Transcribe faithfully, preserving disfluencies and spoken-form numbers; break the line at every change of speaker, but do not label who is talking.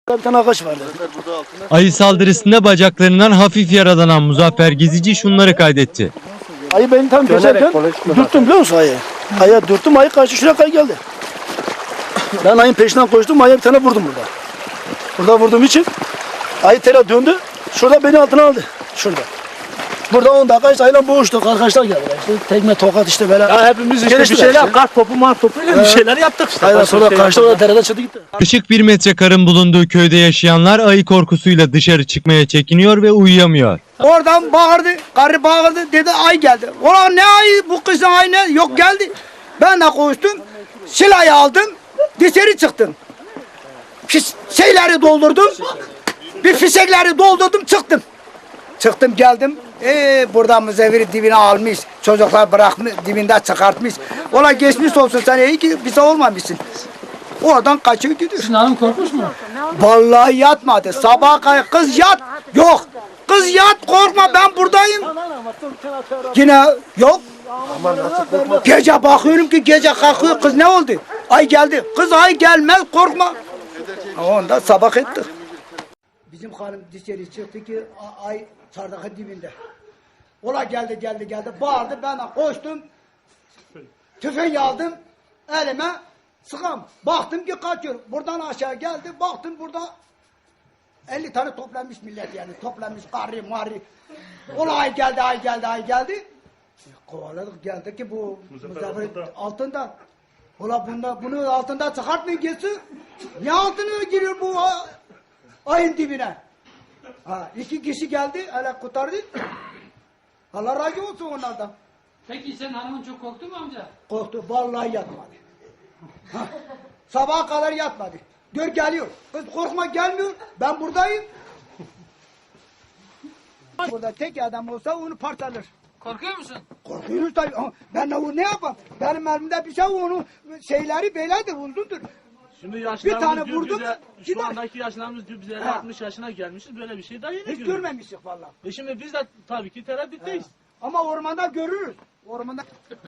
Bir tane ağaç vardı.
Ayı saldırısında bacaklarından hafif yaralanan Muzaffer Gezici şunları kaydetti.
Ayı beni tam geçerken dürttüm biliyor musun ayı? Ayı dürttüm, ayı kaçtı şuraya kadar geldi. Ben ayın peşinden koştum, ayıya bir tane vurdum burada. Burada vurduğum için ayı tela döndü, şurada beni altına aldı. Şurada. Burada on dakika işte ayıyla boğuştuk, arkadaşlar geldiler. İşte tekme, tokat işte böyle.
Ya hepimiz işte bir şeyler, işte. Kart topu, mar topu öyle bir şeyler yaptık işte.
Aynen sonra
şey
kaçtı, orada derede çıktı gitti.
Işık bir metre karın bulunduğu köyde yaşayanlar ayı korkusuyla dışarı çıkmaya çekiniyor ve uyuyamıyor.
Oradan bağırdı, karı bağırdı, dedi ay geldi. Ulan ne ayı, bu kızın ayı ne? Yok geldi. Ben de koştum, silahı aldım, dışarı çıktım. Pis, şeyleri doldurdum, bir fisekleri doldurdum, çıktım. Çıktım geldim, ee, burada müzeviri dibine almış, çocuklar bırakmış, dibinde çıkartmış. Ola geçmiş olsun sen, iyi ki bize olmamışsın. Oradan kaçıyor gidiyor.
Hanım korkmuş mu?
Vallahi yatmadı, sabaha kadar kız yat, yok. Kız yat korkma ben buradayım. Yine yok. Gece bakıyorum ki gece kalkıyor kız ne oldu? Ay geldi. Kız ay gelmez korkma. Onda sabah ettik. Bizim hanım dışarı çıktı ki ay çardakın dibinde. Ola geldi geldi geldi bağırdı ben de koştum. Tüfeği aldım elime sıkam. Baktım ki kaçıyor. Buradan aşağı geldi baktım burada elli tane toplanmış millet yani toplanmış karri marri. Ola ay geldi ay geldi ay geldi. E, kovaladık geldi ki bu Muzaffer altında. Ola bunda bunu altında çıkartmayın geçsin. Ne altına giriyor bu ayın dibine? Ha, iki kişi geldi hele kurtardı. Allah razı olsun onlardan.
Peki sen hanımın çok korktu mu amca?
Korktu vallahi yatmadı. Ha, sabaha kadar yatmadı. Gör geliyor. Kız korkma gelmiyor. Ben buradayım. Burada tek adam olsa onu parçalar.
Korkuyor musun?
Korkuyoruz tabii. Ama ben onu ne yapayım? Benim elimde bir şey onu şeyleri böyledir uzundur.
Şimdi
Bir
yaşlarımız
tane
diyor
vurdum,
bize,
gider.
şu andaki yaşlarımız diyor bize
Ha.
altmış yaşına gelmişiz böyle bir şey daha yeni
Hiç
görüyoruz.
görmemiştik vallahi.
E şimdi biz de tabii ki tereddütteyiz.
Ama ormanda görürüz. Ormanda